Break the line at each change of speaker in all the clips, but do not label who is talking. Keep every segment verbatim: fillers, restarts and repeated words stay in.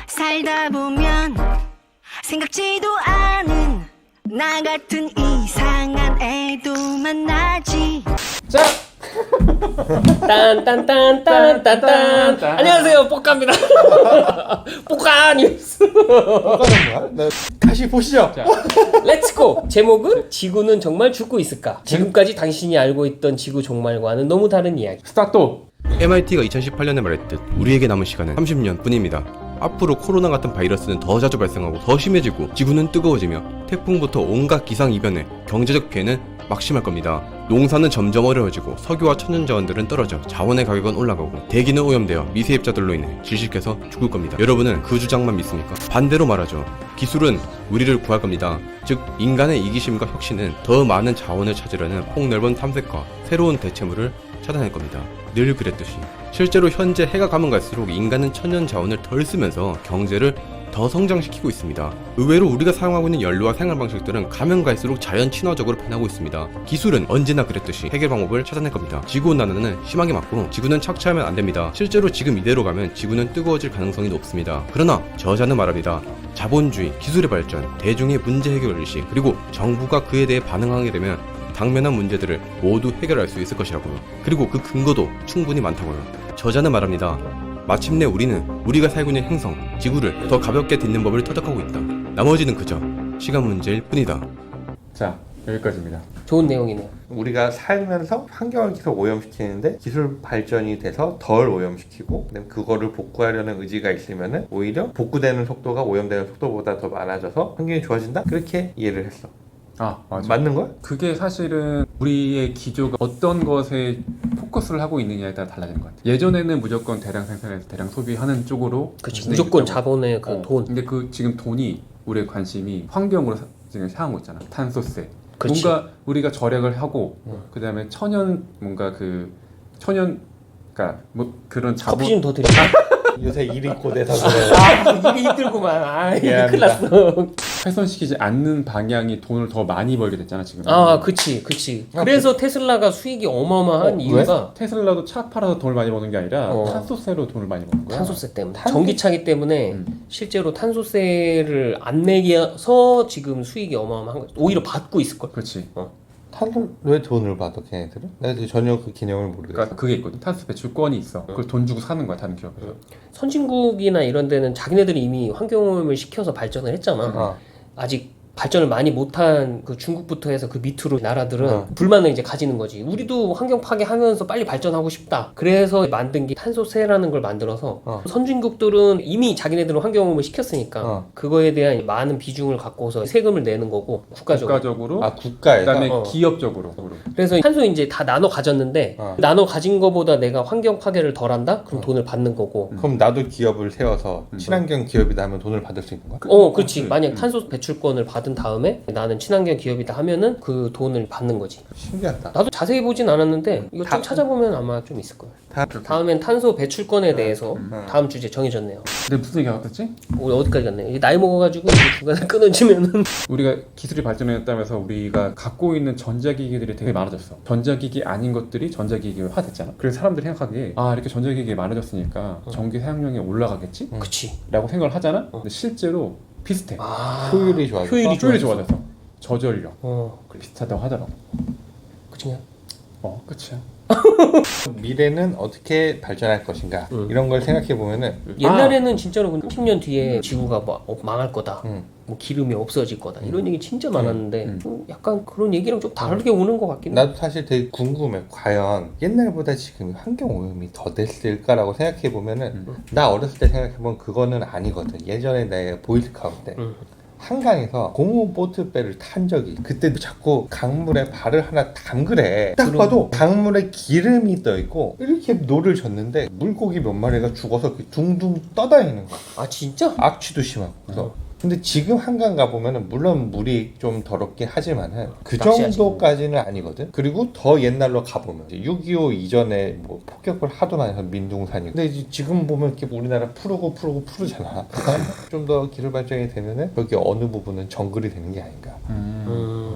살다 보면 생각지도 않은 나 같은 이상한 애도 만나지.
자!
딴딴딴딴딴딴 안녕하세요, 뽀까입니다. 뽀까 뉴스.
뭐야? 네. 다시 보시죠.
자, 렛츠고. 제목은 지구는 정말 죽고 있을까? 지금까지 당신이 알고 있던 지구 종말과는 너무 다른 이야기.
스타트!
엠아이티가 이천십팔 년에 말했듯 우리에게 남은 시간은 삼십 년 뿐입니다. 앞으로 코로나 같은 바이러스는 더 자주 발생하고 더 심해지고 지구는 뜨거워지며 태풍부터 온갖 기상이변에 경제적 피해는 막심할 겁니다. 농사는 점점 어려워지고 석유와 천연자원들은 떨어져 자원의 가격은 올라가고 대기는 오염되어 미세입자들로 인해 질식해서 죽을 겁니다. 여러분은 그 주장만 믿습니까? 반대로 말하죠. 기술은 우리를 구할 겁니다. 즉 인간의 이기심과 혁신은 더 많은 자원을 찾으려는 폭넓은 탐색과 새로운 대체물을 찾아낼 겁니다. 늘 그랬듯이 실제로 현재 해가 가면 갈수록 인간은 천연 자원을 덜 쓰면서 경제를 더 성장시키고 있습니다. 의외로 우리가 사용하고 있는 연료와 생활 방식들은 가면 갈수록 자연 친화적으로 변하고 있습니다. 기술은 언제나 그랬듯이 해결 방법을 찾아낼 겁니다. 지구온난화는 심하게 맞고 지구는 착취하면 안 됩니다. 실제로 지금 이대로 가면 지구는 뜨거워질 가능성이 높습니다. 그러나 저자는 말합니다. 자본주의, 기술의 발전, 대중의 문제 해결 의식, 그리고 정부가 그에 대해 반응하게 되면 당면한 문제들을 모두 해결할 수 있을 것이라고요. 그리고 그 근거도 충분히 많다고요. 저자는 말합니다. 마침내 우리는 우리가 살고 있는 행성, 지구를 더 가볍게 딛는 법을 터득하고 있다. 나머지는 그저 시간 문제일 뿐이다.
자, 여기까지입니다.
좋은 내용이네요.
우리가 살면서 환경을 계속 오염시키는데 기술 발전이 돼서 덜 오염시키고 그다음에 그거를 복구하려는 의지가 있으면은 오히려 복구되는 속도가 오염되는 속도보다 더 많아져서 환경이 좋아진다? 그렇게 이해를 했어.
아, 맞아.
맞는 거야?
그게 사실은 우리의 기조가 어떤 것에 포커스를 하고 있느냐에 따라 달라지는 것 같아요. 예전에는 무조건 대량 생산해서 대량 소비하는 쪽으로
그치,
진행이
무조건
됐다고.
자본의 그
어,
돈.
근데 그 지금 돈이 우리의 관심이 환경으로 사- 지금 향하고 있잖아. 탄소세.
그치.
뭔가 우리가 절약을 하고
응.
그다음에 천연 뭔가 그 천연 그러니까 뭐 그런 자본
커피 좀 더 드릴까?
요새 일이 고돼서 그래.
아, 일이 힘들구만. 아, 이게 큰일
미안합니다.
났어.
훼손시키지 않는 방향이 돈을 더 많이 벌게 됐잖아 지금.
아, 그치, 그치. 그래서 테슬라가 수익이 어마어마한
어,
이유가
테슬라도 차 팔아서 돈을 많이 버는 게 아니라
어.
탄소세로 돈을 많이 버는 거야.
탄소세 때문에.
탄소-
전기차기 때문에
음.
실제로 탄소세를 안 내기서 지금 수익이 어마어마한 거죠. 오히려 받고 있을걸.
그렇지.
탄소 왜 돈을 받아 걔네들은? 내가 전혀 그 개념을 모르겠어.
그러니까 그게 있거든. 탄소 배출권이 있어. 그걸 돈 주고 사는 거야 다른 기업에서.
선진국이나 이런 데는 자기네들이 이미 환경오염을 시켜서 발전을 했잖아.
어.
아직 발전을 많이 못한 그 중국부터 해서 그 밑으로 나라들은
어.
불만을 이제 가지는 거지. 우리도 환경 파괴하면서 빨리 발전하고 싶다. 그래서 만든 게 탄소세라는 걸 만들어서
어.
선진국들은 이미 자기네들은 환경오염을 시켰으니까
어.
그거에 대한 많은 비중을 갖고서 세금을 내는 거고 국가적으로.
국가적으로.
아 국가에서?
그다음에
어.
기업적으로.
그래서 탄소 이제 다 나눠 가졌는데
어.
나눠 가진 거보다 내가 환경 파괴를 덜한다? 그럼 돈을 받는 거고.
그럼 나도 기업을 세워서
음.
친환경 기업이다 하면 돈을 받을 수 있는 거야?
어, 그렇지.
그렇지.
만약
음.
탄소 배출권을 받은 다음에 나는 친환경 기업이다 하면은 그 돈을 받는 거지.
신기하다.
나도 자세히 보진 않았는데 이거
다-
좀 찾아보면 아마 좀 있을 거예요.
다
다음엔 탄소 배출권에 대해서
음.
다음 주제 정해졌네요.
근데 무슨 얘기가 됐지?
우리 어디까지 갔네? 이게 나이 먹어가지고 이게 중간에 끊어지면은
우리가 기술이 발전했다면서 우리가 갖고 있는 전자기기들이 되게 많아졌어. 전자기기 아닌 것들이 전자기기화 됐잖아. 그래서 사람들이 생각하기에 아 이렇게 전자기기 많아졌으니까 전기 사용량이 올라가겠지?
그치.
라고 생각을 하잖아. 근데 실제로 비슷해.
아
효율이 좋아져.
효율이
효율이
좋아졌어.
좋아졌어. 저전력
어,
비슷하다고 하더라고.
그치냐?
어, 끝이야.
미래는 어떻게 발전할 것인가
음.
이런 걸 생각해 보면은
옛날에는 진짜로 그 삼십 년 뒤에 지구가 뭐 어, 망할 거다.
음.
뭐 기름이 없어질 거다. 이런 얘기 진짜 많았는데
음.
좀 약간 그런 얘기랑 좀 다르게 오는 것 같긴 해.
나도 사실 되게 궁금해. 과연 옛날보다 지금 환경 오염이 더 됐을까라고 생각해 보면은
음.
나 어렸을 때 생각해 보면 그거는 아니거든. 예전에 내가 보이스카우트 때
음.
한강에서 고무 보트배를 탄 적이 그때도 자꾸 강물에 발을 하나 담그래. 딱
그럼-
봐도 강물에 기름이 떠 있고 이렇게 노를 젓는데 물고기 몇 마리가 죽어서 이렇게 둥둥 떠다니는 거야.
아 진짜?
악취도 심하고. 그래서 근데 지금 한강 가보면은 물론 물이 좀 더럽긴 하지만은 그
낚시하지.
정도까지는 아니거든. 그리고 더 옛날로 가보면 이제 육이오 이전에 뭐 폭격을 하도 많이 해서 민둥산이고 근데 이제 지금 보면 이렇게 우리나라 푸르고 푸르고 푸르잖아. 좀 더 기술 발전이 되면은 여기 어느 부분은 정글이 되는 게 아닌가.
음.
음.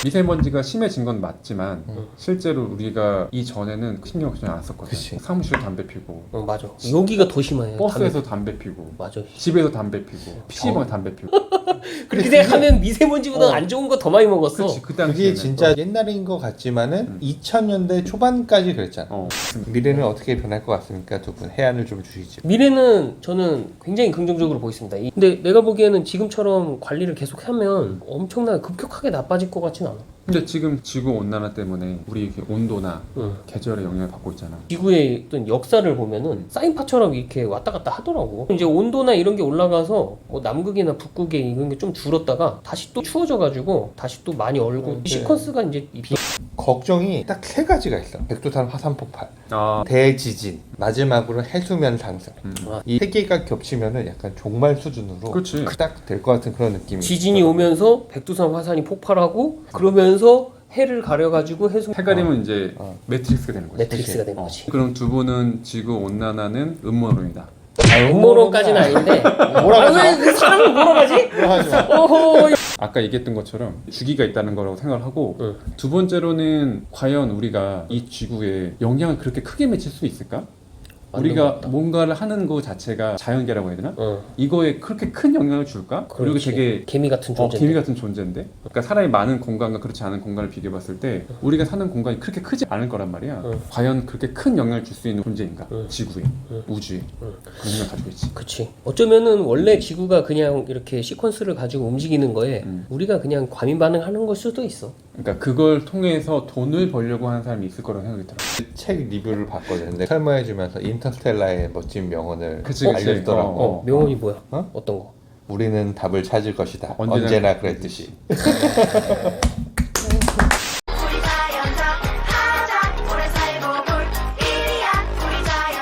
미세먼지가 심해진 건 맞지만 실제로 우리가 이전에는 신경 전혀 안 썼거든.
그치.
사무실에 담배 피고
어, 맞아. 여기가 더 심해요.
버스에서 담배 피고
맞아.
집에서 담배 피고 피시방에 담배 피고
그렇게 생각하면 미세먼지보다 안 좋은 거 더 많이 먹었어.
그렇지 그
그게
당시에는
진짜 옛날인 것 같지만은 이천 년대 초반까지 그랬잖아.
어.
미래는 어떻게 변할 것 같습니까? 두 분 해안을 좀 주시죠.
미래는 저는 굉장히 긍정적으로 보겠습니다. 이- 근데 내가 보기에는 지금처럼 관리를 계속하면 엄청나게 급격하게 나빠질 것 같진 않아.
근데 지금 지구 온난화 때문에 우리 이렇게 온도나
응.
계절의 영향을 받고 있잖아.
지구의 어떤 역사를 보면은 사인파처럼 이렇게 왔다 갔다 하더라고. 이제 온도나 이런 게 올라가서 뭐 남극이나 북극에 이런 게 좀 줄었다가 다시 또 추워져가지고 다시 또 많이 얼고 이 시퀀스가 이제 이 비...
걱정이 딱 세 가지가 있어. 백두산 화산 폭발,
아,
대지진, 마지막으로 해수면 상승.
아,
이 세 개가 겹치면은 약간 종말 수준으로
그렇지.
딱 될 것 같은 그런 느낌이.
지진이 오면서 백두산 화산이 폭발하고 그러면서 해를 가려가지고 해수
해가리면 이제
어.
매트릭스가 되는 거지.
매트릭스가 된
어.
거지.
그럼 두 분은 지구 온난화는 음모론이다.
음모론까지는 아닌데
뭐라고
아, 왜 사람을 뭐라 하지?
하지 마.
어허.
아까 얘기했던 것처럼 주기가 있다는 거라고 생각을 하고
응.
두 번째로는 과연 우리가 이 지구에 영향을 그렇게 크게 미칠 수 있을까?
맞는
우리가
것 같다.
뭔가를 하는 거 자체가 자연계라고 해야 되나?
어,
이거에 그렇게 큰 영향을 줄까? 그리고
그렇지.
되게
개미 같은
어,
존재.
개미 같은 존재인데 그러니까 사람이 많은 공간과 그렇지 않은 공간을 비교해봤을 때 우리가 사는 공간이 그렇게 크지 않을 거란 말이야.
응.
과연 그렇게 큰 영향을 줄 수 있는 존재인가?
응.
지구에,
응.
우주에
응.
그런 생각 가지고 있지.
그치. 어쩌면은 원래 지구가 그냥 이렇게 시퀀스를 가지고 움직이는 거에
음.
우리가 그냥 과민 반응하는 걸 수도 있어.
그러니까 그걸 통해서 돈을 벌려고 하는 사람이 있을 거라고 생각이 들어.
책 리뷰를 봤거든. 근데 설명해주면서 인터스텔라의 멋진 명언을
그치, 그치.
알려주더라고.
어,
어, 명언이 뭐야?
어?
어떤 거?
우리는 답을 찾을 것이다.
언제나
언제나, 그랬듯이.